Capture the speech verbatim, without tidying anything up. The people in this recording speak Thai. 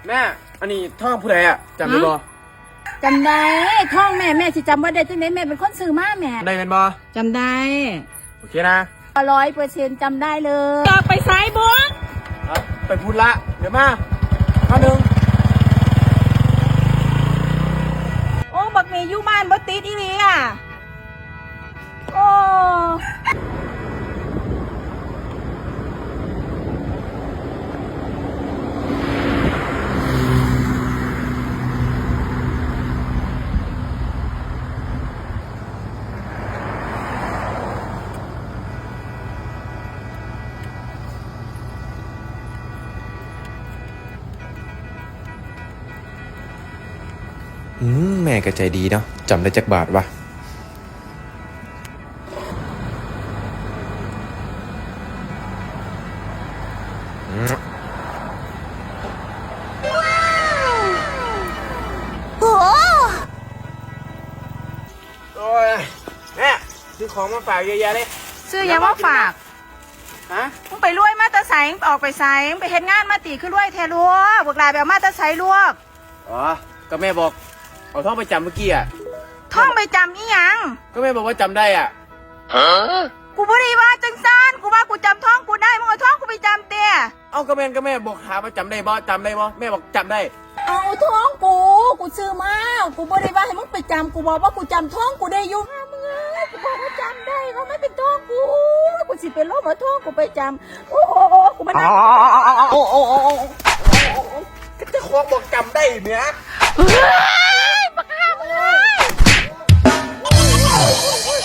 แม่อันนี้ท่องผู้ใดอ่ะจำได้บ่จำได้ท่องแม่แม่สิจำว่าได้จังไหนแม่เป็นคนซื้อมาแม่ได้เป็นบ่จำได้โอเคนะร้อยเปอร์เซ็นต์จำได้เลยต่อไปสายบัวไปพูดละเดี๋ยวมาข้าหนึ่งโอ้บักเมย์อยู่บ้านบ่ติดอีหลีอ่ะโอ้อืมแม่ก็ใจดีเนาะจำได้จักบาทวะโอ้โอ้ยแม่ซื้อของมาฝากเยอะแยะเลยซื้อยังว่าฝากฮะมึงไปรวยมาตะไสออกไปไสไปเฮ็ดงานมาตีขึ้นรวยแทรัวพวกลาแบบมาตะไสลวกอ๋อก็แม่บอกเอาท่องไปจำเมื่อกี้อ่ะท่องไปจำอีหยังก็แม่บอกว่าจำได้อ่ะฮะกูบ่ได้ว่าจังซานกูว่ากูจำท่องกูได้มึงเอาท่องกูไปจำเตี้ยเอาก็แม่ก็แม่บอกถามว่าจำได้บ่จำได้บ่แม่บอกจำได้เอาท่องกูกูซื้อมากูบ่ได้ว่าให้มึงไปจำกูบอกว่ากูจำท่องกูได้อยู่มึงเอ้ยกูบอกว่าจำได้เขาไม่เป็นท่องกูกูสิเป็นลมเอาท่องกูไปจำโอ้โหกูมันนั่งโอ้โอ้โอ้โอ้ก็จะคล้องบอกจำได้เนี่ยเฮ้ยบักห่ามึงเอ้ย